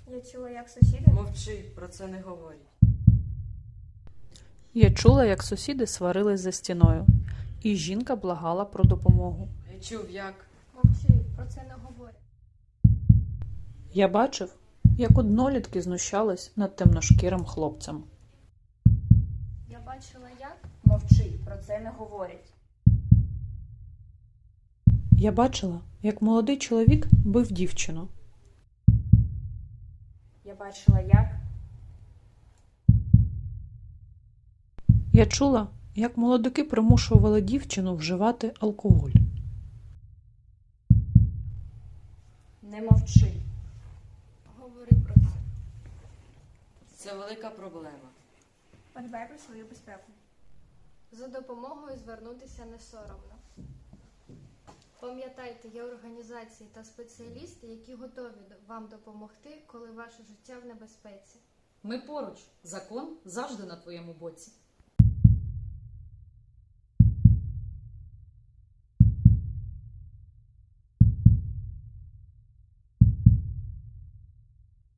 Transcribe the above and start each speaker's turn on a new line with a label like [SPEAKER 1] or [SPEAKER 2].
[SPEAKER 1] Я чула, як сусіди.
[SPEAKER 2] Мовчи, про це не говорять.
[SPEAKER 3] Я чула, як сусіди сварились за стіною, і жінка благала про допомогу.
[SPEAKER 2] Я чув, як.
[SPEAKER 1] Мовчи, про це не говорять.
[SPEAKER 3] Я бачив, як однолітки знущались над темношкірим хлопцем.
[SPEAKER 1] Я бачила, як.
[SPEAKER 4] Мовчи, про це не говорять.
[SPEAKER 3] Я бачила, як молодий чоловік бив дівчину.
[SPEAKER 4] Я бачила, як.
[SPEAKER 3] Я чула, як молодики примушували дівчину вживати алкоголь.
[SPEAKER 4] Не мовчи.
[SPEAKER 1] Говори про це.
[SPEAKER 2] Це велика проблема.
[SPEAKER 1] Подбай про свою безпеку. За допомогою звернутися не соромно. Пам'ятайте, є організації та спеціалісти, які готові вам допомогти, коли ваше життя в небезпеці.
[SPEAKER 5] Ми поруч. Закон завжди на твоєму боці.